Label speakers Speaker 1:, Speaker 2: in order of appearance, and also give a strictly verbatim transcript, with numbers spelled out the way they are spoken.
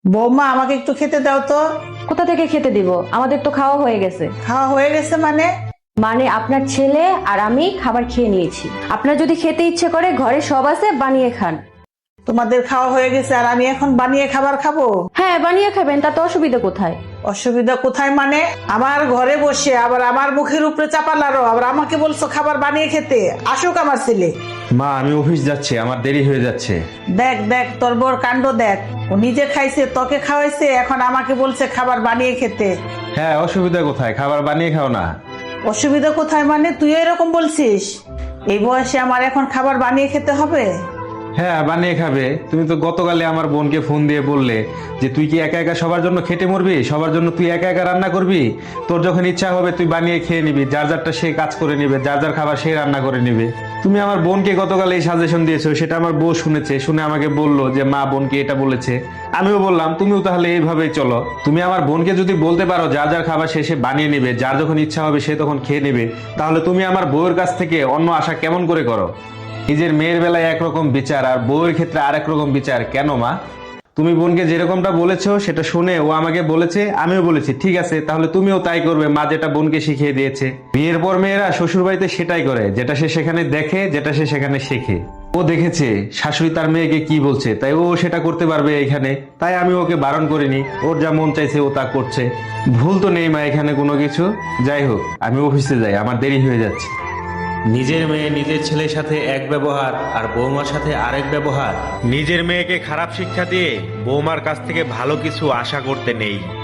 Speaker 1: বৌমা আমাকে একটু খেতে দাও তো।
Speaker 2: কোথা থেকে খেতে দিব? আমাদের তো খাওয়া হয়ে গেছে।
Speaker 1: খাওয়া হয়ে গেছে মানে?
Speaker 2: মানে আপনার ছেলে আর আমি খাবার খেয়ে নিয়েছি। আপনার যদি খেতে ইচ্ছে করে ঘরে সব আছে, বানিয়ে খান।
Speaker 1: তোমাদের খাওয়া হয়ে গেছে আর আমি এখন বানিয়ে খাবার খাবো?
Speaker 2: হ্যাঁ, বানিয়ে খাবেন, তাতে অসুবিধা কোথায়?
Speaker 1: অসুবিধা কোথায় মানে? আমার ঘরে বসে আবার আমার মুখের উপরে চাপালারো, আবার আমাকে বলছো খাবার বানিয়ে খেতে। আসুক আমার ছেলে।
Speaker 3: মা, আমি অফিস যাচ্ছি, আমার দেরি হয়ে যাচ্ছে।
Speaker 1: দেখ দেখ তোর বড় কাণ্ড দেখ। ও নিজে খাইছে, তোকে খাওয়াইছে, এখন আমাকে বলছে খাবার বানিয়ে খেতে।
Speaker 3: হ্যাঁ, অসুবিধা কোথায়? খাবার বানিয়ে খাও না।
Speaker 1: অসুবিধা কোথায় মানে? তুই এরকম বলছিস? এই বয়সে আমার এখন খাবার বানিয়ে খেতে হবে?
Speaker 3: হ্যাঁ, বানিয়ে খাবে। তুমি তো গতকালে আমার বোনকে ফোন দিয়ে বললে যে তুই কি একা একা সবার জন্য খেটে মরবি, সবার জন্য তুই একা একা রান্না করবি, তোর যখন ইচ্ছা হবে তুই বানিয়ে খেয়ে নিবি, যার যারটা সে কাজ করে নিবে, যার যার খাবার সে রান্না করে নিবে। তুমি আমার বোনকে গতকাল এই সাজেশন দিয়েছো, সেটা আমার বউ শুনেছে, শুনে আমাকে বললো যে মা বোনকে এটা বলেছে। আমিও বললাম তুমিও তাহলে এইভাবেই চলো। তুমি আমার বোনকে যদি বলতে পারো যার যার খাবার সে সে বানিয়ে নিবে, যার যখন ইচ্ছা হবে সে তখন খেয়ে নেবে, তাহলে তুমি আমার বউয়ের কাছ থেকে অন্য আশা কেমন করে করো? নিজের মেয়ের বেলায় একরকম বিচার আর বউয়ের ক্ষেত্রে আরেক রকম বিচার কেন মা? তুমি বোনকে যেরকমটা বলেছো সেটা শুনে ও আমাকে বলেছে, আমিও বলেছি ঠিক আছে, তাহলে তুমিও তাই করবে। মা যেটা বোনকে শিখিয়ে দিয়েছে। বিয়ের পর মেয়েরা শ্বশুর বাড়িতে সেটাই করে, যেটা সে সেখানে দেখে, যেটা সে সেখানে শেখে। ও দেখেছে শাশুড়ি তার মেয়েকে কি বলছে, তাই ও সেটা করতে পারবে এখানে। তাই আমি ওকে বারণ করিনি, ওর যা মন চাইছে ও তা করছে। ভুল তো নেই মা এখানে কোনো কিছু। যাই হোক, আমি অফিসে যাই, আমার দেরি হয়ে যাচ্ছে।
Speaker 4: নিজের মেয়ে নিজের ছেলের সাথে এক ব্যবহার আর বৌমার সাথে আরেক ব্যবহার।
Speaker 5: নিজের মেয়েকে খারাপ শিক্ষা দিয়ে বৌমার কাছ থেকে ভালো কিছু আশা করতে নেই।